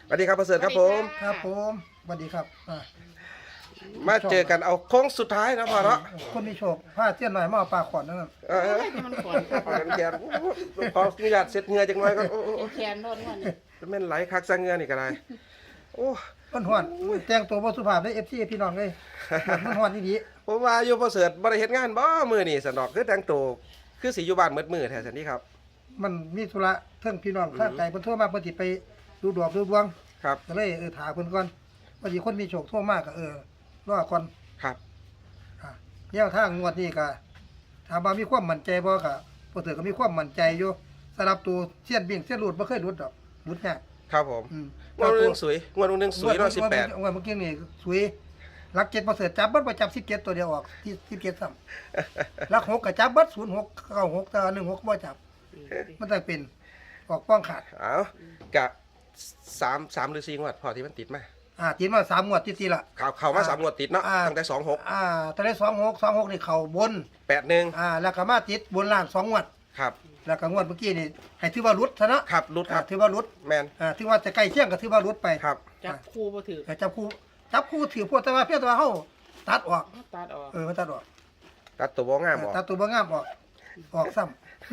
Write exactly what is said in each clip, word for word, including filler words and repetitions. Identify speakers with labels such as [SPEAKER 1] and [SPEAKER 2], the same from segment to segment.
[SPEAKER 1] สวัสดีครับประเสริฐครับผม
[SPEAKER 2] ครับผมสวัสดีครับอ่า
[SPEAKER 1] มาเจอกันเอาโค้งสุดท้ายนะพ่อเนาะ
[SPEAKER 2] คนมีโชคผ้าเตี้ยนหน่อยมาเอาปลาขอนนั่นนะ
[SPEAKER 1] เออ
[SPEAKER 3] มันขอนครับ
[SPEAKER 1] พอกันแขนพออนุญาตเสร็จเหงื่อจังไงก็โอ้โห
[SPEAKER 3] แขนโดนวันนี้
[SPEAKER 1] แม่นไหลคักซะเหงื่อนี่ก็ได้โอ้
[SPEAKER 2] มันหวนแต่งตัวบ่สุภาพได้เอฟซีพี่น้องเลยมันหวนนี่ดี
[SPEAKER 1] ผมว่าอยู่ประเสริฐบ่ได้เฮ็ดงานบ่มื้อนี้สนอกคือแต่งตัวคือสิอยู่บ้านมืดมื้อแท้ซั่นนี่ครับ
[SPEAKER 2] มันมีธุระเทิงพี่น้องข้างไกลเพิ่นโทรมาเพิ่นสิไปดูดอกดูดวง
[SPEAKER 1] ครับ
[SPEAKER 2] ก็เลยเออถามเพิ่นก่อนว่าสิคนมีโชคโทรมาก็เออรอก่อน
[SPEAKER 1] ครับ
[SPEAKER 2] อ่าแนวทางงวดนี้ก็ถามว่ามีความมั่นใจบ่ก็บ่ถือก็มีความมั่นใจอยู่สำหรับตัวเสี้ยนบิ่งเสี้ยนรูดบ่เคยรูดดอกรูดยาก
[SPEAKER 1] ครับผม
[SPEAKER 2] อืม
[SPEAKER 1] งวดหนึงสวยงวดหนึงสวยเนาะสิบแปด
[SPEAKER 2] งวดเมื่อกี้นี่สวยลักเจ็ดบ่เสือจับเบิดบ่จับสิบเจ็ดตัวเดียวออกที่สิบเจ็ดซ้ำลักหกก็จับเบิดศูนย์หกเก้าหกแต่ว่าหนึ่งหกบ่จับ มันต้องเป็นออกป้องขาด
[SPEAKER 1] เอากะสามสามหรือสี่งวดพอที่มันติดมา
[SPEAKER 2] อ่าติดมาสามงวดติดๆละ
[SPEAKER 1] เข้าเข้ามาสามงวดติดเนาะ
[SPEAKER 2] อ่า
[SPEAKER 1] ตั้งแต่สองหก
[SPEAKER 2] อ่าตอนนี้สองหกสองหกนี่เข้าบน
[SPEAKER 1] แปดหนึ่ง
[SPEAKER 2] อ่าแล้วก็มาติดบนล่างสองงวด
[SPEAKER 1] ครับ
[SPEAKER 2] แล้วก็งวดเมื่อกี้นี่ให้ถือว่าหลุดซะเนาะ
[SPEAKER 1] ครับรุดค
[SPEAKER 2] อ่า
[SPEAKER 1] รับ
[SPEAKER 2] ถือว่าหลุด
[SPEAKER 1] แมน
[SPEAKER 2] อ่าถือว่าจะใกล้เคียงก็ถือว่าหลุดไป
[SPEAKER 1] ครับ
[SPEAKER 3] จับคู่บ่ถือ
[SPEAKER 2] แต่จับคู่จับคู่ถือพวกแต่ว่าเพียงแต่ว่าเฮาตัดออก
[SPEAKER 3] ตัดออก
[SPEAKER 2] เออมันตัดออก
[SPEAKER 1] ตัดตัวบ่งามออก
[SPEAKER 2] ตัดตัวบ่งามออกออกซ้ำ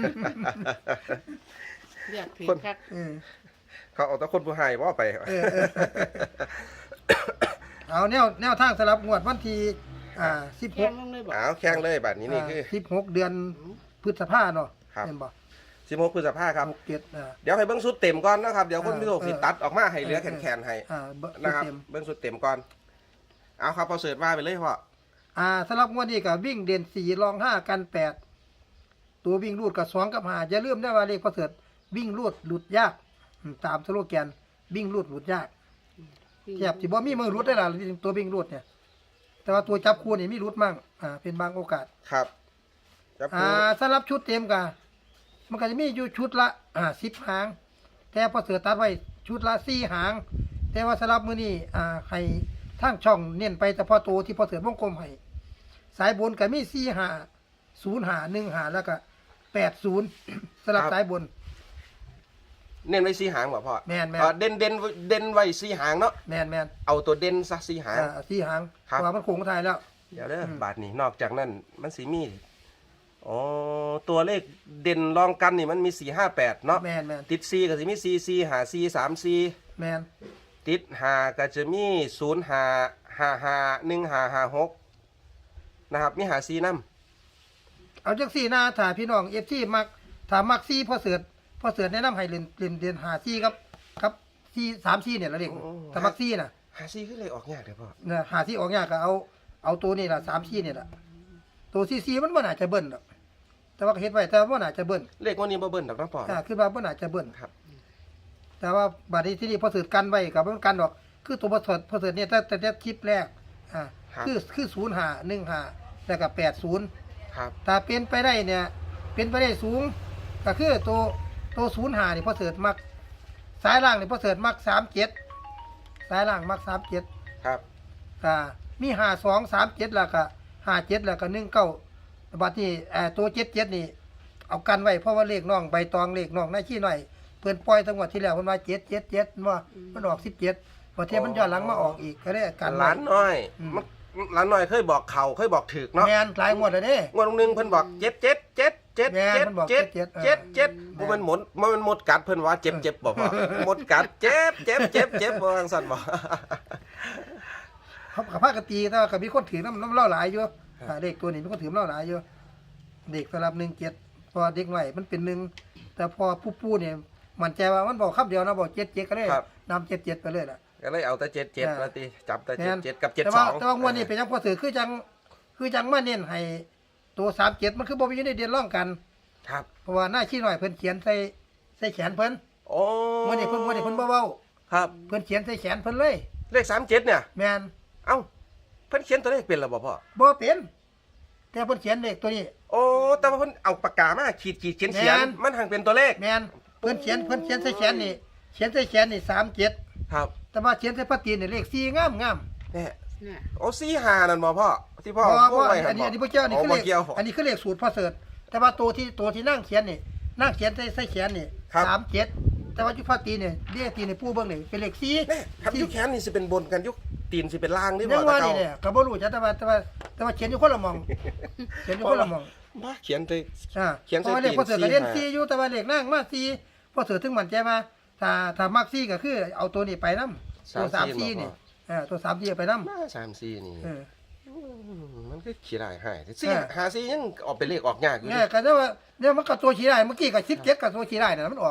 [SPEAKER 3] เรียกถือ
[SPEAKER 1] คน
[SPEAKER 3] คัก
[SPEAKER 2] เออ
[SPEAKER 1] เขาเอาแต่คนผู้ให้บ่ไป
[SPEAKER 2] เออเออ เอาแนวแนวทางสำหรับงวดวันที่อ่าสิบห
[SPEAKER 3] แข้
[SPEAKER 2] ก
[SPEAKER 3] งลงเลยบ่
[SPEAKER 1] อ้าวแข่งเลยบัดนี้นี่คือ
[SPEAKER 2] สิบหกเดือนพฤษภาเนาะ
[SPEAKER 1] ครับ
[SPEAKER 2] เห็นบ่
[SPEAKER 1] สิบหกพฤษภาครับ
[SPEAKER 2] หกเจ็ดอ่า
[SPEAKER 1] เดี๋ยวให้เบิ่งสุดเต็มก่อนนะครับ เดี๋ยวคน
[SPEAKER 2] เออ
[SPEAKER 1] พิโรคสิ
[SPEAKER 2] เออ
[SPEAKER 1] ตัดออกมาให้เหลือ
[SPEAKER 2] เออ
[SPEAKER 1] แขนๆให้
[SPEAKER 2] อ่าเบิ่ง
[SPEAKER 1] นะครับ
[SPEAKER 2] เต็ม
[SPEAKER 1] เบิ่งสุดเต็มก่อน เอาครับเอาเสิร์ชว่าไปเลยพ่อ
[SPEAKER 2] อ่าสำหรับงวดนี้ก็วิ่งเด่นสี่รองห้ากันแปดตัววิ่งรูดกับสองกับห้าอย่าลืมนะว่าเลขพอเสริฐวิ่งรูดหลุดยากอืมตามสโลแกนวิ่งรูดหลุดยากแทบสิบ่มีมือรุดได้ล่ะตัววิ่งรูดเนี่ย แต่ว่าตัวจับคู่นี่มีรุดมั่งอ่าเป็นบางโอกาส
[SPEAKER 1] ครับจับ
[SPEAKER 2] อ่า
[SPEAKER 1] คู่
[SPEAKER 2] สำหรับชุดเต็มก็มันก็จะมีอยู่ชุดละอ่าสิบหาง แต่พอเสือตัดไว้ชุดละสี่หาง แต่ว่าสำหรับมื้อนี้อ่าให้ทางช่องเน้นไปเฉพาะตัวที่พอเสือวงกลมให้สายบนก็มีสี่หาศูนย์หาหนึ่งหาแล้วก็แปดศูนย์สำหรับสายบน
[SPEAKER 1] เน้นไว้สี่หางบ่พ่อ
[SPEAKER 2] แม่นแม่น
[SPEAKER 1] เอ่อเด่นเด่นเด่นไว้สี่หางเนาะ
[SPEAKER 2] แมนแมน
[SPEAKER 1] เอาตัวเด่นซะสี่หาง
[SPEAKER 2] อ่าสี่หาง
[SPEAKER 1] ครับ
[SPEAKER 2] เพราะว่ามันโค้งไทายแล้ว
[SPEAKER 1] เดี๋ยวเด้ออ
[SPEAKER 2] ม
[SPEAKER 1] บาทนี้นอกจากนั้นมันสีมีอ๋อตัวเลขเด่นรองกันนี่มันมีสี่ห้าแปดเนาะ
[SPEAKER 2] แมนแมน
[SPEAKER 1] ติดซีก็จะมีซีซีหาซีสามซี
[SPEAKER 2] แมน
[SPEAKER 1] ติดหาก็จะมีศูนย์หาหาหาหนึ่งหาหาหกนะครับมีหาซีน้
[SPEAKER 2] เอาจังสี่หน้าถ้าพี่น้องเอฟซีมักถ้ามักซี่พอเสือพอเสือแนะนำให้เล่นเล่นเล่นหาซี่ครับครับซี่สามซี่เนี่ยละเด็กถ้ามักซี่น่ะ
[SPEAKER 1] ำหาซีขึ้นเลยออกยากเดี๋ยวพ่อ
[SPEAKER 2] เนี่ยหาซี่ออกยากก็เอาเอาตัวนี่ล่ะสามซี่เนี่ยล่ะตัวซี่ซี่มันบ่น่าจะเบิ้ลหรอกแต่ว่าก็เฮ็ดไว้แต่ว่าบ่น่าจะเบิ้ล
[SPEAKER 1] เลขวันนี้บ่เบิ้ลดอกนะพ่อ
[SPEAKER 2] อ่าคือว่าบ่น่าจะเบิ้ล
[SPEAKER 1] ครับ
[SPEAKER 2] แต่ว่าบัดนี้ที่นี่พอเสือกันไว้ก็บ่กันดอก คือตัวพอเสือพอเสือเนี่ยแต่แต่แต่คลิปแรกอ่าคือคือศูนย์หาหนึ่งหาแล้วก็แปดศูนย์
[SPEAKER 1] ครับ
[SPEAKER 2] ถ้าเป็นไปได้เนี่ย เป็นไปได้สูง ก็คือตัวตัวศูนย์หานี่พอเสิร์ตมักสายล่างนี่พอเสิร์ตมักสามเจ็ดสายล่างมักสามเจ็ด
[SPEAKER 1] ครับ
[SPEAKER 2] อ่ามีหาสองสามเจ็ดแล้วก็ห้าเจ็ดแล้วก็หนึ่งเก้าบัดนี้เอ่อตัวเจ็ดเจ็ดนี่ เอากันไว้เพราะว่าเลขน้องใบตองเลขน้องหน้าขี้หน่อยเพิ่นปล่อยตั้งวันที่แล้วเพิ่นว่าเจ็ดเจ็ดเจ็ดว่ามันออกสิบเจ็ดพอเทียบมันย้อนหลังมาออกอีกก็ได้กันไว้
[SPEAKER 1] ร้านน้อย
[SPEAKER 2] อืม
[SPEAKER 1] มันร้านน้อยเคยบอกเข่าเคยบอกถึกเนาะ
[SPEAKER 2] แมนหลายงวดแล้วเด้
[SPEAKER 1] งวดหนึงเพิ่นบอกเจ็ดเจ็ดเจ็ดเจ็ด
[SPEAKER 2] แม่น
[SPEAKER 1] เจ็ด
[SPEAKER 2] เพิ่นบอก
[SPEAKER 1] เจ็ด
[SPEAKER 2] เจ็ด
[SPEAKER 1] เจ็ด
[SPEAKER 2] เออ
[SPEAKER 1] เจ็ด
[SPEAKER 2] แม่น
[SPEAKER 1] บ่แมันหมดบ่แมันหมดกัดเพิ่นว่าเจ็บเจ็บบ่พอหมดกัดเจ็บเจ็บเจ็บเจ็บบ่จังซั่นบ่
[SPEAKER 2] เขากับภาคกตีแต่ว่าก็มีคนถือน้ำน้ำเล่าหลายอยู่อ่าเด็กตัวนี้มีคนถือน้ำเล่าหลายอยู่เด็กสำหรับหนึ่งเจ็ดพอเด็กหน่อยมันเป็นหนึ่งแต่พอผู้ปู้เนี่ยมันใจว่ามันบอกคำเดียวนะบอกเจ็ดเจ็ดก็เลย
[SPEAKER 1] ครับ
[SPEAKER 2] นำเจ็ดเจ็ดไปเลยล่ะ
[SPEAKER 1] ก็เลยเอาแต่เจ็ดเจ็ด
[SPEAKER 2] อ่า
[SPEAKER 1] มาติจับแต่
[SPEAKER 2] แม่
[SPEAKER 1] เจ็ด
[SPEAKER 2] น
[SPEAKER 1] เจ็ดกับเจ็ด
[SPEAKER 2] แต่
[SPEAKER 1] ส
[SPEAKER 2] ว่า
[SPEAKER 1] อง
[SPEAKER 2] แต่ว่างวดนี้เป็นยังพอถือคือจังคือจังมาเน้นให้ตัวสามเจ็ดมันคือบ่มีอยู่ในเดือนร่องกัน
[SPEAKER 1] ครับ
[SPEAKER 2] เพราะว่าหน้าขี้หน่อยเพิ่นเขียนใส่ใส่แขนเพิ่น
[SPEAKER 1] โอ้
[SPEAKER 2] งวดนี้เพิ่นงวดนี้เพิ่นบ่เว้า
[SPEAKER 1] ครับ
[SPEAKER 2] เพิ่นเขียนใส่แขนเพิ่นเลย
[SPEAKER 1] เลขสามเจ็ดเนี่ย
[SPEAKER 2] แม่น
[SPEAKER 1] เอ้าเพิ่นเขียนตัวเลขเป็นแล้วบ่พ่อ
[SPEAKER 2] บ่เป็นแต่เพิ่นเขียนเลขตัวนี้
[SPEAKER 1] โอ้แต่ว่าเพิ่นเอาปากกามาขีดขีดเขียนเขียน
[SPEAKER 2] แม่น
[SPEAKER 1] มันหังเป็นตัวเลข
[SPEAKER 2] แม่นเพิ่นเขียนเพิ่นเขียนใส่แขนนี่เขียนใส่แขนนี่สามเจ็ด
[SPEAKER 1] ครับ
[SPEAKER 2] แต่ว่าเขียนใส่ปฏิทินนี่เลขสี่งามงาม
[SPEAKER 1] เนี่ย
[SPEAKER 3] เนี่ย
[SPEAKER 1] โอ้สี่หานั่นบ่พ่อที่พ่อ
[SPEAKER 2] เพราะ
[SPEAKER 1] พูด
[SPEAKER 2] ว่า
[SPEAKER 1] ไว้
[SPEAKER 2] อันนี้อันนี้บ่เกี่ยวอันนี้คือ
[SPEAKER 1] บ่
[SPEAKER 2] เลข
[SPEAKER 1] เกี่ยว
[SPEAKER 2] อันนี้คือเลขสูตรพ่อเสิร์ชแต่ว่าตัวที่ตัวที่นั่งเขียนนี่นั่งเขียนใส่ใส่แขนนี่
[SPEAKER 1] ครับ
[SPEAKER 2] สามเจ็ดแต่ว่ายุคพาตีเนี่ยเรียกตีในปูเบิ่งนี่เป็นเลขสี่
[SPEAKER 1] แน่ครับยุคแขนนี่สิเป็นบนกันยุคตีนสิเป็นล่างนี่
[SPEAKER 2] ยั
[SPEAKER 1] บ่
[SPEAKER 2] งว่า
[SPEAKER 1] ตะ
[SPEAKER 2] นี่
[SPEAKER 1] เก่า
[SPEAKER 2] เนี่ยก็บ่รู้จักแต่ว่าแต่ว่าแต่ว่าเขียนอยู่คนละหมองเขียนอยู่คนละหมอง
[SPEAKER 1] มาเขียนเลย
[SPEAKER 2] อ่า
[SPEAKER 1] เขียน
[SPEAKER 2] เพ
[SPEAKER 1] ใส่
[SPEAKER 2] ราะว่าเลข
[SPEAKER 1] ตีน
[SPEAKER 2] พอเสือก็เรียน
[SPEAKER 1] สี่
[SPEAKER 2] สี่อยู่แต่ว่าเลขนั่งมาสี่พอเสือถึงมั่นใจว่าถ้าถ้ามักสี่ก็คือเอาตัวนี้ไปนำตัวสามสี่นี่เออตัวสามสี่ไปนำ
[SPEAKER 1] มาสามสี่นี่
[SPEAKER 2] เออ
[SPEAKER 1] มมันก็ขี้ได้หายสี่
[SPEAKER 2] เออ
[SPEAKER 1] หาสี่ยังออกเป็นเลขออกยากอยู่
[SPEAKER 2] เนี่ยก็ได้ว่าเนี่ยมันก็ตัวชี้ได้เมื่อกี้ก็สิบเจ็ดก็ตัวชี้ได้น่ะมันออก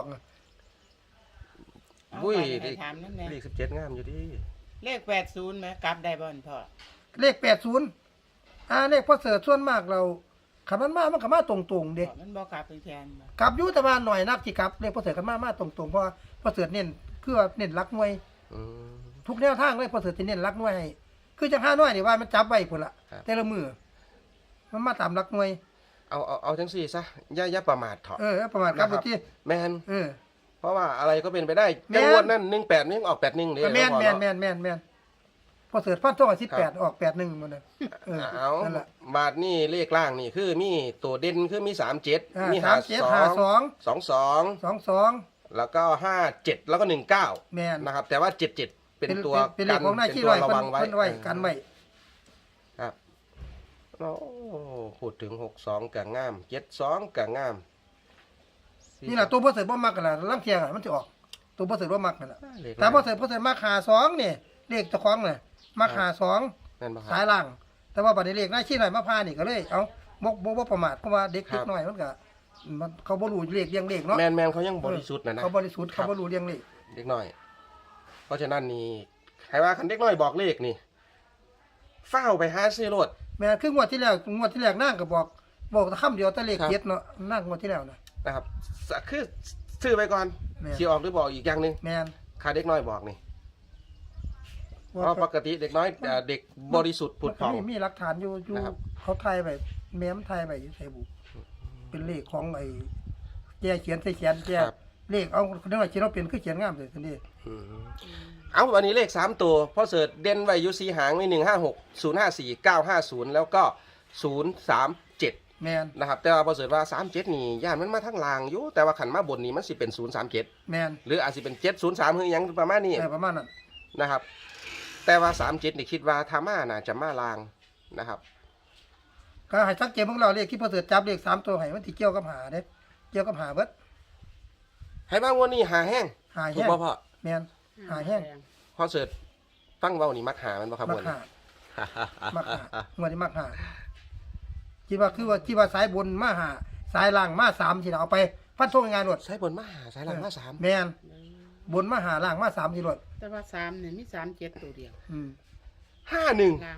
[SPEAKER 1] บุ้ย
[SPEAKER 3] เอาไป
[SPEAKER 1] เลข
[SPEAKER 3] ถามนั่นแหละ
[SPEAKER 1] เลขสิบเจ็ดงามอยู่ดิ
[SPEAKER 3] เลขแปดศูนย์ไหมกลับได้บ่อนพ่อ
[SPEAKER 2] เลขแปดสิบอ่าเลขพอเสือส่วนมากเราคันมันมามันก็มาตรงๆเด้
[SPEAKER 3] มันบ่กลับเป็นแทนบ่
[SPEAKER 2] กลับอยู่แต่ว่าหน่อยนักที่กลับเลขพอเสือกันมามาตรงๆเพราะว่าพอเสือเน้นคือว่าเน้นรักหน่วย
[SPEAKER 1] อืม
[SPEAKER 2] ทุกแนวทางเลยพอเสือจะเน้นรักหน่วยให้คือจังห้าหน่วยนี่ว่ามันจับไว้พุ่นละ
[SPEAKER 1] ครับ
[SPEAKER 2] แต่ละมือมันมาตามรักหน่วย
[SPEAKER 1] เอาเอาเอาจังสี่ซะอย่าอย่าประมาทเถอะ
[SPEAKER 2] เออประมาณครับ
[SPEAKER 1] นะครับ
[SPEAKER 2] ที่
[SPEAKER 1] แมน
[SPEAKER 2] เออ
[SPEAKER 1] เพราะว่าอะไรก็เป็นไปได้
[SPEAKER 2] แม่น
[SPEAKER 1] จังหวดนั้นหนึ่งแปดนี่ออกแปดหนึ่งเลย
[SPEAKER 2] ก็แม่น
[SPEAKER 1] ล้วพอ
[SPEAKER 2] แม่น
[SPEAKER 1] เนาะ
[SPEAKER 2] แม่นแม่นแม่นพอเสือฟันท่องสิบแปดออกแปดหนึ่งหมดเลยเออ
[SPEAKER 1] เอา
[SPEAKER 2] นั่นแหละ
[SPEAKER 1] บาทนี่เลขล่างนี่คือมีตัวเด่นคือมีสามเจ็ด
[SPEAKER 2] อ่า
[SPEAKER 1] มี
[SPEAKER 2] สา
[SPEAKER 1] หาม
[SPEAKER 2] เจ็ด
[SPEAKER 1] สอ
[SPEAKER 2] ห้าง สอง
[SPEAKER 1] สองสอง
[SPEAKER 2] สองสอง
[SPEAKER 1] แล้วก็ห้าเจ็ดแล้วก็หนึ่งเก้า
[SPEAKER 2] แม่น
[SPEAKER 1] นะครับ แต่ว่าเจ็ดเจ็ดเป็นตัว
[SPEAKER 2] เป็นเลขของนาย
[SPEAKER 1] เป็น
[SPEAKER 2] ที่
[SPEAKER 1] ตั
[SPEAKER 2] ไว้
[SPEAKER 1] วระ
[SPEAKER 2] เพิ่
[SPEAKER 1] วัน งไว้
[SPEAKER 2] เพิ่นไว้กันไว้
[SPEAKER 1] ครับโอ้พูดถึงหกสองกับงามเจ็ดสองกับงาม
[SPEAKER 2] นี่แหละตัวพอเสือบ่มักกันล่ะลังเทียอะมันจะออกตัวพอเสือบ่มักนั่นแหละ
[SPEAKER 1] เลข
[SPEAKER 2] แต่พอเสือพอเสือมักหาสองนี่เลขเจ้าของน่ะมักหาสอง
[SPEAKER 1] นั่นปะค
[SPEAKER 2] สา
[SPEAKER 1] รั
[SPEAKER 2] ย
[SPEAKER 1] บ
[SPEAKER 2] ล่าง แต่ว่าบัดนี้เลขนายชี้หน่อยมาพานี่ก็เลย เอ้าบ่บ่บ่ประมาทเพราะว่าเด็ก
[SPEAKER 1] ครั
[SPEAKER 2] เล็
[SPEAKER 1] บ
[SPEAKER 2] กน้อยมันก็มันเขาบ่รู้เลขเรียงเลขเนาะ
[SPEAKER 1] แมนแมนเขายังบริสุทธิ์นะนะ
[SPEAKER 2] เขาบริสุทธิ์
[SPEAKER 1] ครั
[SPEAKER 2] เขา
[SPEAKER 1] บ
[SPEAKER 2] บ่รู้เรียงเลข
[SPEAKER 1] เด็กน้อย เพราะฉะนั้นนี่ใครว่าคันเด็กน้อยบอกเลขนี่เฝ้าไปหาซื้อรถ
[SPEAKER 2] แม่คืองวดที่แล้วงวดที่แล้วนางก็บอกบอกแต่คำเดียวแต่เลข
[SPEAKER 1] ครับ
[SPEAKER 2] เจ็ดเนาะนางงวดที่แล้วน่ะ
[SPEAKER 1] นะครับสะคือซื้อไปก่อน
[SPEAKER 2] แม่น
[SPEAKER 1] สีออกหรือบอกอีกอย่างหนึ่ง
[SPEAKER 2] แม่น
[SPEAKER 1] ค่าเด็กน้อยบอกนี่เพราะปกติเด็กน้อยเอ่อเด็กบริสุทธิ์ผุด
[SPEAKER 2] มัน
[SPEAKER 1] ผ่
[SPEAKER 2] ก็
[SPEAKER 1] อง
[SPEAKER 2] มีมีหลักฐานอยู่อยู่
[SPEAKER 1] นะครับ
[SPEAKER 2] เขาถ่ายไว้แม้มถ่ายไว้อยู่ใส่บุเป็นเลขของไอ้แกเขียนใส่เขียนแก
[SPEAKER 1] ครับ
[SPEAKER 2] เลขเอาคนน้อยเขียนเอาเป็นคือเขียนงามเลยทีนี้
[SPEAKER 1] อืมเอาวันนี้เลขสามตัวพ่อเสิร์ชเด่นไว้อยูซีหางมีหนึ่งห้าหกศูนย์ห้าสี่เก้าห้าศูนย์แล้วก็ศูนย์สามเจ็ด
[SPEAKER 2] แม่น
[SPEAKER 1] นะครับแต่ว่าพอเสิร์ชว่าสามเจ็ดนี่ย่านมันมาทั้งลางอยู่แต่ว่าขันมาบนนี้มันสิเป็นศูนย์สามเจ็ด
[SPEAKER 2] แม่น
[SPEAKER 1] หรืออาจจะเป็นเจ็ดศูนย์สามหรือหยังประมาณนี้
[SPEAKER 2] แต่ประมาณนั้น
[SPEAKER 1] นะครับ แต่ว่าสามเจ็ดนี่คิดว่าทามาน่าจะมาลางนะครับ
[SPEAKER 2] ก็ให้สังเกตของเราเลขที่พอเสือจับเลขสามตัวให้มันที่เกี่ยวกับหาเด้เกี่ยวกับหาเบิด
[SPEAKER 1] ให้บ้างวันนี้หาแห้ง
[SPEAKER 2] หา
[SPEAKER 1] ถูก
[SPEAKER 2] แห้ง
[SPEAKER 1] ป่ะพ่อ
[SPEAKER 2] แม่นหาแห้ง
[SPEAKER 1] พ่อเสิร์ชตั้งเว้านี่มักหามันป่ะครับ
[SPEAKER 2] มั
[SPEAKER 1] วั
[SPEAKER 2] ก
[SPEAKER 1] น
[SPEAKER 2] หา
[SPEAKER 1] นี้
[SPEAKER 2] มักหางวดนี้มักหาคิดว่าคือว่าคิดว่าสายบนมาหาสายล่างมาสามที่เราเอาไปพันทงงานหมด
[SPEAKER 1] ใช้บนมาหาใช้หลังมาสาม
[SPEAKER 2] แม่นบนมาหาล่างมาสามที่รถ
[SPEAKER 3] แต่ว่าสามเนี่ยมีสามเจ็ดตัวเดียว
[SPEAKER 2] อืม
[SPEAKER 1] ห้าหนึ่ง
[SPEAKER 3] ล่าง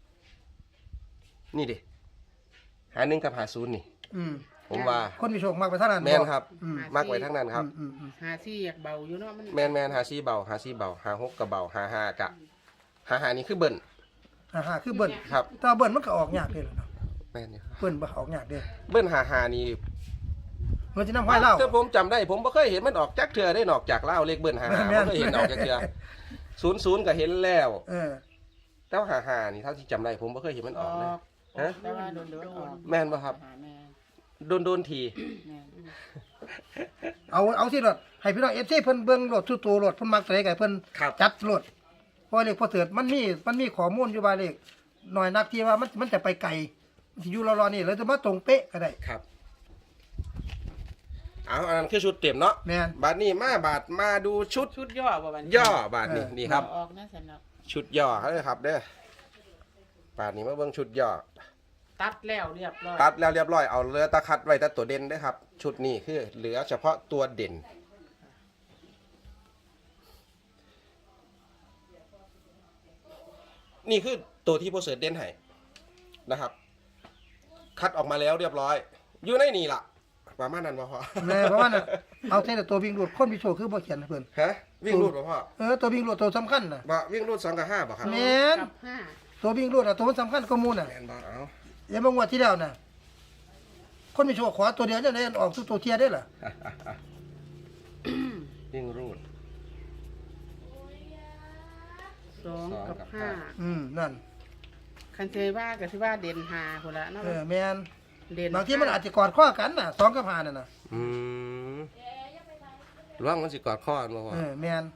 [SPEAKER 1] นี่ดิหาหนึ่งกับหาศูนย์นี่
[SPEAKER 2] อืม
[SPEAKER 1] ผมว่า
[SPEAKER 2] คนมีโชคมากไปเท่านั้น
[SPEAKER 1] แม่นครับ
[SPEAKER 2] อืม
[SPEAKER 1] มากไว้ทั้งนั้นครับ
[SPEAKER 2] อืมอืม
[SPEAKER 3] หาซี่อยากเบาอยู่เนาะมัน
[SPEAKER 1] แมนแมนหาซีเบาหาซีเบาหาหกกับเบาหาห้ากะหาหานี่คือเบิ้ล
[SPEAKER 2] อ่าฮะคือเบิ้ล
[SPEAKER 1] ครับ
[SPEAKER 2] แต่ว่าเบิ้ลมันก็ออกยากเลยเนาะ
[SPEAKER 1] แมนอยู่ครับ
[SPEAKER 2] เบิ้ลบ่ออกยากเด้
[SPEAKER 1] เบิ้ลหาหานี่
[SPEAKER 2] มันจะนำห้อยเล่า
[SPEAKER 1] ถ้าผมจำได้ผมไม่เคยเห็นมันออกจากเถื่อได้นอกจากเล่าเลขเบิ้ลหาหา
[SPEAKER 2] แม่
[SPEAKER 1] ไม่
[SPEAKER 2] น
[SPEAKER 1] เคยเห็นออกจากเถื่อศูนย์ศูนย์ก็เห็นแล้ว
[SPEAKER 2] เออ
[SPEAKER 1] แต่ว่าหาหานี่เท่าที่จำได้ผมไม่เคยเห็นมัน
[SPEAKER 3] อ
[SPEAKER 1] อ
[SPEAKER 3] อ
[SPEAKER 1] อกเลย
[SPEAKER 3] ก
[SPEAKER 1] ฮะ
[SPEAKER 3] แต่ว่าโดนโดนออก
[SPEAKER 1] แม่นป่ะครับ
[SPEAKER 3] หาแม่
[SPEAKER 1] โดนโดนที
[SPEAKER 3] แม่
[SPEAKER 2] เอาเอาสิรถให้พี่น้อง เอฟ ซี เพิ่นเบิ่งรถทุกตัวรถเพิ่นมักใส่ไก่เพิ่น
[SPEAKER 1] ครับ
[SPEAKER 2] จัดรถเพราะเลขพอเสิร์ชมันมีมันมีข้อมูลอยู่ว่าเลขหน่อยนักที่ว่ามันมันจะไปไกลมันสิอยู่รอๆนี่แล้วจะมาตรงเป๊ะก็ได้
[SPEAKER 1] ครับเอาอันนั้นคือชุดเต็มเนาะ
[SPEAKER 2] แม่น
[SPEAKER 1] บาทนี้มาบาทมาดูชุด
[SPEAKER 3] ชุดย่อบ่บัดนี้
[SPEAKER 1] ย่อบาทนี้
[SPEAKER 2] เออ
[SPEAKER 1] นี่ครับ
[SPEAKER 3] ออกนะสำหรับ
[SPEAKER 1] ชุดย่อเลยครับเด้อ บาทนี้มาเบิ่งชุดย่อ
[SPEAKER 3] ตัดแล้วเรียบร้อย
[SPEAKER 1] ตัดแล้วเรียบร้อยเอาเหลือตะคัดไว้แต่ตัวเด่นเด้อครับ ชุดนี้คือเหลือเฉพาะตัวเด่น นี่คือตัวที่โปรเซสเด่นให้นะครับ คัดออกมาแล้วเรียบร้อย อยู่ในนี่ล่ะประมาณนั้นบ่พอ
[SPEAKER 2] แม่เพราะว่าน่ะเอาแต่ตัววิ่งรถคนมีโชคคือบ่เขียนให้เพิ่น
[SPEAKER 1] ฮะวิ่งรูดบ่พ่อ
[SPEAKER 2] เออตัววิ่งรถตัวสำคัญน่ะ
[SPEAKER 1] บ่วิ่งรูดสองกับห้าบ่ครับ
[SPEAKER 2] แม่น
[SPEAKER 3] กับห้า
[SPEAKER 2] ตัววิ่งรถอ่ะตัวมันสำคัญกว่าหมู่น่ะ
[SPEAKER 1] แม่นบ่เอา
[SPEAKER 2] อย่ามางวดที่แล้วน่ะคนมีโชคขอตัวเดียวจะได้ออกทุกตัวเทียได้ล่ะ
[SPEAKER 1] วิ่งรูด
[SPEAKER 3] สอง
[SPEAKER 1] สองกั
[SPEAKER 3] กั
[SPEAKER 1] บบ ห้า
[SPEAKER 3] ห้า
[SPEAKER 2] อืมนั่น
[SPEAKER 3] คันเทว่าก็สิว่าเด่นหาพุ่นละเนาะ
[SPEAKER 2] เออแม่น
[SPEAKER 3] เด่น
[SPEAKER 2] บางทีมันอาจจะกอดข้อกันน่ะสองกับห้านั่นน่ะ
[SPEAKER 1] อืมร่วงมันสิกอดข้อกันบ่พ่อ
[SPEAKER 2] เออแม่น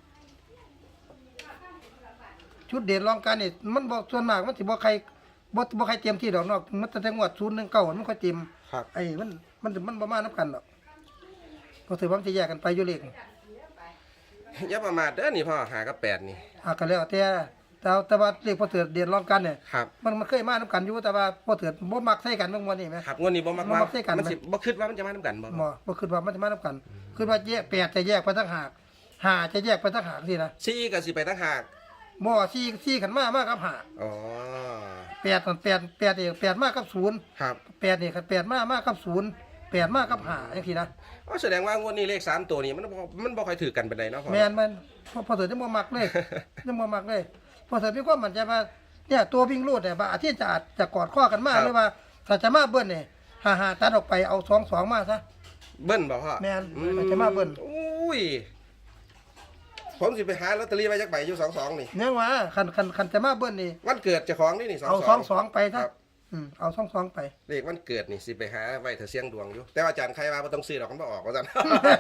[SPEAKER 2] ชุดเด่นรองการนี่มันบ่ส่วนมากมันสิบ่ใครบ่บ่ใครเตรียมที่ดอกนอกมันแต่งวดศูนย์หนึ่งเก้ามันค่อยเตรียม
[SPEAKER 1] ครับ
[SPEAKER 2] ไอ้มันมันมันบ่มานํกันดอกพอถือว่ามันจะแยกกันไปอยู่เลข
[SPEAKER 1] อย่าประมาทเด้อนี่พ่อหากับแปดนี่
[SPEAKER 2] อ่ะก็แล้วแต่แต่แต่ว่าเลขพอเถือเด่นรองกันเนี่ย
[SPEAKER 1] ครับ
[SPEAKER 2] มันมันเคยมานํกันอยู่แต่ว่าพอเถือบ่มักใส่กันเมื่อวันนี้แหม
[SPEAKER 1] ครับงวดนี้บ่มัก
[SPEAKER 2] บ่
[SPEAKER 1] ว่า
[SPEAKER 2] มักใส่กันไหม
[SPEAKER 1] มันสิบ่คิดว่ามันจะมานํกันบ่
[SPEAKER 2] บ่บ่คิดว่ามันจะมานํกันคิดว่าแยกแปดจะแยกไปต่างหากห้าจะแยกไปต่างหากสินะ
[SPEAKER 1] สี่ก็สิไปตั้งหาก
[SPEAKER 2] บ่สี่สี่ขันมามากับห้า
[SPEAKER 1] อ๋อ
[SPEAKER 2] แปดนั่นแปดแปดนี่แปดมากับศูนย์
[SPEAKER 1] ครับ
[SPEAKER 2] แปดนี่คันแปดมามากับศูนย์แปดมากับห้าจังซี่นะ
[SPEAKER 1] อ๋อแสดงว่างวดนี้เลขสามตัวนี้มันบ่มันบ่ค่อยถือกันปานใดเนาะพ่อ
[SPEAKER 2] แม่นมันพอพอเถือจะบ่มักเลยจะบ่มักเลย พอเถือมีความมั่นใจว่าเนี่ยตัววิ่งรูดเนี่ยว่าอาทิตย์จะอาจจะกอดข้อกันมาหรือว่าถ้าจะมาเบิ้ลนี่ห้าๆตัดออกไปเอาสองสองมาซะ
[SPEAKER 1] เบิ้ลบ่พ่อ
[SPEAKER 2] แม่น
[SPEAKER 1] อื
[SPEAKER 2] มันจะมาเบิ้ล
[SPEAKER 1] อุ้ยผมสิไปหาลอตเตอรี่ไว้จักใบอยู่สองสองนี่
[SPEAKER 2] เนี่ยว่าคันคันคันจะมาเบิ้ลนี่
[SPEAKER 1] วันเกิดเจ้าของนี่นี่สอง
[SPEAKER 2] เอา
[SPEAKER 1] ส
[SPEAKER 2] ส
[SPEAKER 1] อ
[SPEAKER 2] อง งสองไป
[SPEAKER 1] ค
[SPEAKER 2] ซะ
[SPEAKER 1] รับ
[SPEAKER 2] อืมเอาสองสองไป
[SPEAKER 1] เลขวันเกิดนี่สิไปหาไว้เถอะเสียงดวงอยู่ แต่ว่าอาจารย์ใครว่าบ่ต้องซื้อดอกมันบ่ออกว่าซั่น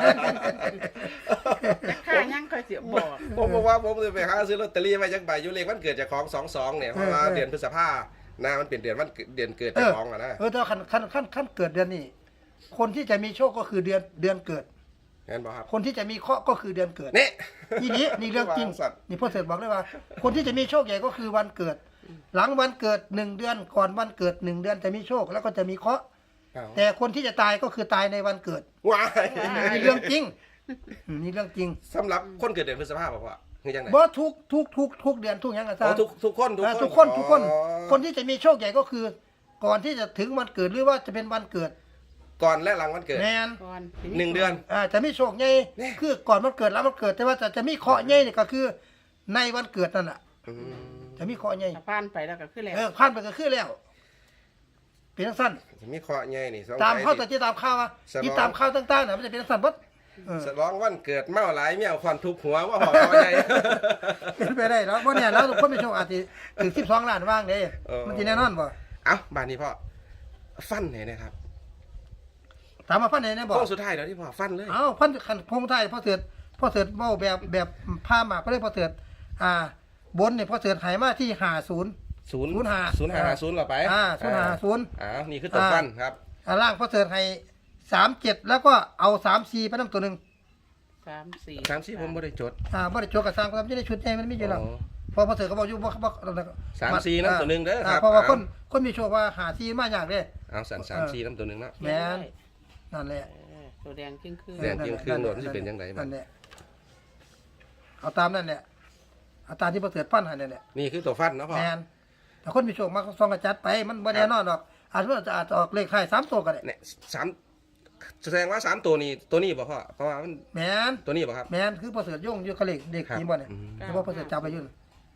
[SPEAKER 3] ข้ายังค่อยสิบอก
[SPEAKER 1] ผมบอกว่าผมจะไปหาซื้อลอตเตอรี่ไว้จักใบอยู่เลขวันเกิดเจ้าของสองสองเนี่ยเพราะว่าเดือนพฤษภาหน้ามันเป็นเดือนวันเกิดเดือนเกิด
[SPEAKER 2] เอ
[SPEAKER 1] เจ้า
[SPEAKER 2] อ
[SPEAKER 1] ของอ่ะนะ
[SPEAKER 2] เออแต่ว่าคันคันคันคันเกิดเดือนนี้คนที่จะมีโชคก็คือเดือนเดือนเกิด
[SPEAKER 1] งั้นบ่ครับ
[SPEAKER 2] คนที่จะมีเคราะห์ก็คือเดือนเกิด
[SPEAKER 1] นี่
[SPEAKER 2] นี่นี่นี่เรื่องจริง
[SPEAKER 1] วางสัตว์
[SPEAKER 2] นี่พ่อเสด็จบอกเลยว่า คนที่จะมีโชคใหญ่ก็คือวันเกิด หลังวันเกิดหนึ่งเดือนก่อนวันเกิดหนึ่งเดือนจะมีโชคแล้วก็จะมีเคราะห์
[SPEAKER 1] อ้าว
[SPEAKER 2] แต่คนที่จะตายก็คือตายในวันเกิด
[SPEAKER 1] ว้าย
[SPEAKER 2] นี่เรื่องจริงอืมนี่เรื่องจริง
[SPEAKER 1] สำหรับคนเกิดเดือนพฤษภาบ่พ่อคือจังได๋
[SPEAKER 2] บ่ทุกทุกทุกทุกเดือนทุกอย่างอาจา
[SPEAKER 1] อ๋อ
[SPEAKER 2] รย์
[SPEAKER 1] ทุกทุกคนทุก
[SPEAKER 2] อ่า
[SPEAKER 1] คน
[SPEAKER 2] ทุกคนทุกคน
[SPEAKER 1] อ๋อ
[SPEAKER 2] คนที่จะมีโชคใหญ่ก็คือ ก่อนที่จะถึงวันเกิดหรือว่าจะเป็นวันเกิด
[SPEAKER 1] ก่อนและหลังวันเกิด
[SPEAKER 2] แมน
[SPEAKER 3] ก่อน
[SPEAKER 1] หนึ่งเดือน
[SPEAKER 2] อ่าจะมีโชคใหญ่
[SPEAKER 1] เนี่ย
[SPEAKER 2] คือก่อนวันเกิดแล้ววันเกิด แต่ว่าจะจะมีเคราะห์ใหญ่นี่ก็คือ ในวันเกิดนั่นน่ะ
[SPEAKER 1] อืม
[SPEAKER 2] จะมีเคราะห์ใหญ่
[SPEAKER 3] ถ้าผ่านไปแล้วก็คือแล้ว
[SPEAKER 2] เออผ่านไปก็คือแล้ว เป็นจังซั่น
[SPEAKER 1] จะมีเคราะห์ใหญ่นี่สง
[SPEAKER 2] ตาม
[SPEAKER 1] สัย
[SPEAKER 2] เข้า
[SPEAKER 1] สิ
[SPEAKER 2] แต่ที่ตามข่าวว่า
[SPEAKER 1] สมอง
[SPEAKER 2] ที่ตามข่าวต่างๆน่ะมันจะเป็นจังซั่นเบิดเออ
[SPEAKER 1] สลองวันเกิดเมาหลายเมียวควันทุบหัวว่าหอเคราะห์ใหญ่
[SPEAKER 2] เป็นไปได้แล้วบ่เนี่ยแล้วทุกคนมีโชคอาจสิถึงสิบสองล้านว่างเด้
[SPEAKER 1] เออ
[SPEAKER 2] มันสิแน่นอนบ่
[SPEAKER 1] เอ้าบ้านนี้พ่อฟันไหนนะครับ
[SPEAKER 2] ถามมาพันไหนแน่บ่
[SPEAKER 1] โค้งสุดท้ายแล้วที่พ่อฟันเลย
[SPEAKER 2] เอ้าพันคันพงไทยพ่อเสือพ่อเสือเว้าแบบแบบผ้าหมากก็เลยพ่อเสืออ่า บนเนี่ยพ่อเสือไหมาที่ห้าสิบ
[SPEAKER 1] ศูนย์
[SPEAKER 2] ศูนย์ห้า
[SPEAKER 1] ศูนย์ห้าศูนย์เราไป
[SPEAKER 2] อ่าศูนย์ห้าศูนย์
[SPEAKER 1] อ้าวนี่คือตัวฟันครับ
[SPEAKER 2] อ่าล่างพ่อเสือให้สามเจ็ดแล้วก็เอาสามสี่ไปนำตัวหนึง
[SPEAKER 3] สามสี่
[SPEAKER 1] สามสี่ผมไม่ได้จด
[SPEAKER 2] อ่าบ่ได้โจกกับสร้างความจะได้ชุดใหญ่มันมีอยู่แล้ว
[SPEAKER 1] อ๋อ
[SPEAKER 2] พอพ่อเสือก็บอกอยู่บ่บ่
[SPEAKER 1] สามสี่นำตัวหนึ่งเด้อครับ
[SPEAKER 2] เพราะว่า
[SPEAKER 1] เอา
[SPEAKER 2] คนคนมีโชคว่าหาสี่มาอย่างเด้
[SPEAKER 1] เอาสันสามสี่น้ำตัวหนึ่งเนาะ
[SPEAKER 2] แม่น นั่นแหละ
[SPEAKER 3] เออตัวแดงครึ่งคือ
[SPEAKER 1] แดง จริงๆคือโหนดมันสิเป็นจังไดบัด
[SPEAKER 2] นั่นแหละเอาตามนั่นแหละเอาตามที่พ่อเสือปั้นให้นั่นแหละ
[SPEAKER 1] นี่คือตัวฟันเนาะพ่อ
[SPEAKER 2] แมนแต่คนมีโชคมากซองกระจัดไปมันบ่แน่นอนหรอกอาจจะอาจจะออกเลขท้ายสามตัวก็ได้
[SPEAKER 1] เนี่ยสามแสดงว่าสามตัวนี้ตัวนี้บ่พ่อเพราะว่ามัน
[SPEAKER 2] แมน
[SPEAKER 1] ตัวนี้บ่ครับ
[SPEAKER 2] แมนคือประเสริฐย่งอยู่กับเลขเด็ก
[SPEAKER 1] ครับ
[SPEAKER 2] นี่บ่เนี่ย
[SPEAKER 1] อืม
[SPEAKER 2] เฉพาะประเสริฐจับไปอยุ่น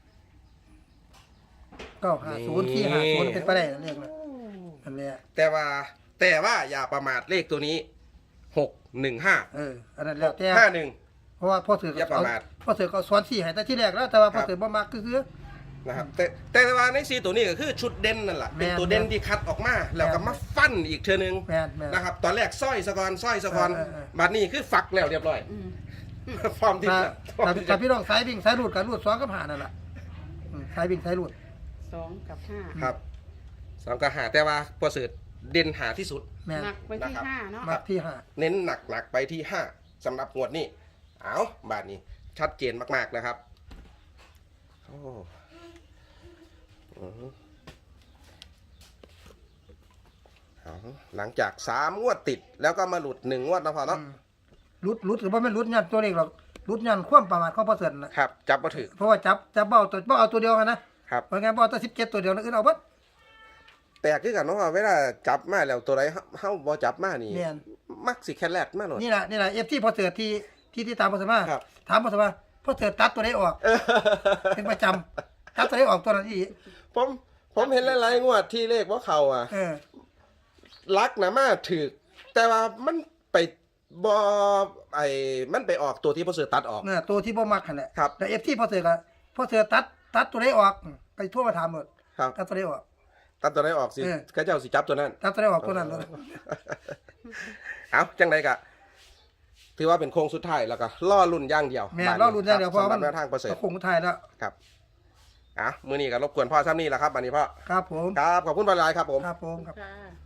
[SPEAKER 2] เก้าห้าศูนย์ที่ห้าศูนย์เป็นไปได้นั่นเลขนะนั่นแหละ
[SPEAKER 1] แต่ว่าแต่ว่าอย่าประมาทเลขตัวนี้หกหนึ่งห้า
[SPEAKER 2] เอออันนั้นแล้วแต่
[SPEAKER 1] ห้าหนึ่ง
[SPEAKER 2] เพราะว่าพ่อเสือ
[SPEAKER 1] อย่าประมาท
[SPEAKER 2] พ่อเสือก็สอนสี่ให้แต่ที่แรกแล้วแต่ว่า
[SPEAKER 1] ครั
[SPEAKER 2] พ่อบ เสือบ่มักคือคือ
[SPEAKER 1] นะครับแต่แต่ว่าในสีตัวนี้ก็คือชุดเด่นนั่นแหละเป็น
[SPEAKER 2] แม่น
[SPEAKER 1] ตัวเด่นที่คัดออกมา แล้วก็มาฟันอีกเทือนึง
[SPEAKER 2] แม่นแม่น
[SPEAKER 1] นะครับตอนแรกสร้อยสะกอนสร้อยสะกอน
[SPEAKER 2] เออเออเออ
[SPEAKER 1] บัดนี้คือฝักแล้วเรียบร้อย
[SPEAKER 3] อืม
[SPEAKER 1] พร้อมที่
[SPEAKER 2] ถ้า
[SPEAKER 1] จะพร้อม
[SPEAKER 2] ถ้า
[SPEAKER 1] ที่
[SPEAKER 2] ถ้า
[SPEAKER 1] จะ
[SPEAKER 2] พี่น้องสายวิ่งสายรูดกับรูดสองกับหานั่นแหละอืมสายวิ่งสายรูด
[SPEAKER 3] สองกับห้า
[SPEAKER 1] ครับสองกับหาแต่ว่าประเสริฐเด่นหาที่สุด
[SPEAKER 2] แม่น
[SPEAKER 3] หนักไปที่
[SPEAKER 1] นะครับ
[SPEAKER 3] ห้าเนาะ
[SPEAKER 2] มักที่ห้า
[SPEAKER 1] เน้นหนักหนักๆไปที่ห้าสำหรับงวดนี้เอาบาทนี้ชัดเจนมากๆนะครับโอ้อือเอาหลังจากสามงวดติดแล้วก็มาหลุดหนึ่งงวดนะพอเนาะ
[SPEAKER 2] รุดรุดหรือว่าไม่รุดยันตัวเลขหรอกรุดยันความประมาทของประเสริฐนะครับ
[SPEAKER 1] จับมาถือ
[SPEAKER 2] เพราะว่าจับจับเบ้าตัวเบ้าเอาตัวเดียวกันนะครับ เพราะงั้นเบ้าตัวสิบเจ็ดตัวเดียวนะอื่นเอาเบัด
[SPEAKER 1] แปลกคือกันเนาะว่าเวลาจับมาแล้วตัวใดเฮาเฮาบ่จับมานี่
[SPEAKER 2] แม่น
[SPEAKER 1] มักสิแค่แรกมาโลด
[SPEAKER 2] นี่แหละนี่แหละเอฟที่พอเสริฐที่ที่ที่ตามประเสริฐมา
[SPEAKER 1] ครับ
[SPEAKER 2] ถามประเสริฐว่าพอเสริฐตัดตัวไหนออก
[SPEAKER 1] เออ
[SPEAKER 2] เป็นประจำตัดตัวไหนออกตัวนั้นอีก
[SPEAKER 1] ผมผมเห็นหลายๆงวดที่เลขว่าเขาอ่ะ
[SPEAKER 2] เออ
[SPEAKER 1] ลักนะมาถือแต่ว่ามันไปบอไอ้มันไปออกตัวที่พอเสือตัดออก
[SPEAKER 2] เนี่ยตัวที่บ่มักนั่นแหละ
[SPEAKER 1] ครับ
[SPEAKER 2] แต่เอฟที่พอเสริฐก็พอเสริฐตัดตัดตัวไหนออกไปทั่วมาถามหมด
[SPEAKER 1] ครับ
[SPEAKER 2] ตัดตัวไหนออก
[SPEAKER 1] ตัดตัวไหนออกสิ
[SPEAKER 2] เออ
[SPEAKER 1] ก็เจ้าสิจับตัวนั้น
[SPEAKER 2] ตัดตัวไหนออกตัวนั้นเลย
[SPEAKER 1] เอาจังไดกะถือว่าเป็นโค้งสุดท้ายแล้วก็ล่อรุ่นอย่างเดียว
[SPEAKER 2] แม่นล่อรุ่นอย่างเดียวเพราะ
[SPEAKER 1] สำหรับ
[SPEAKER 2] มัน
[SPEAKER 1] แนวทางประเสริฐ
[SPEAKER 2] คงไทายแล้ว
[SPEAKER 1] ครับอ่ะมื้อนี้ก็รบกวนพ่อซ้ำนี่แหละครับอันนี้พ่อ
[SPEAKER 2] ครับผม
[SPEAKER 1] ครับขอบคุณบรรยายครับผม
[SPEAKER 2] ครับผมครับ
[SPEAKER 3] ค่ะ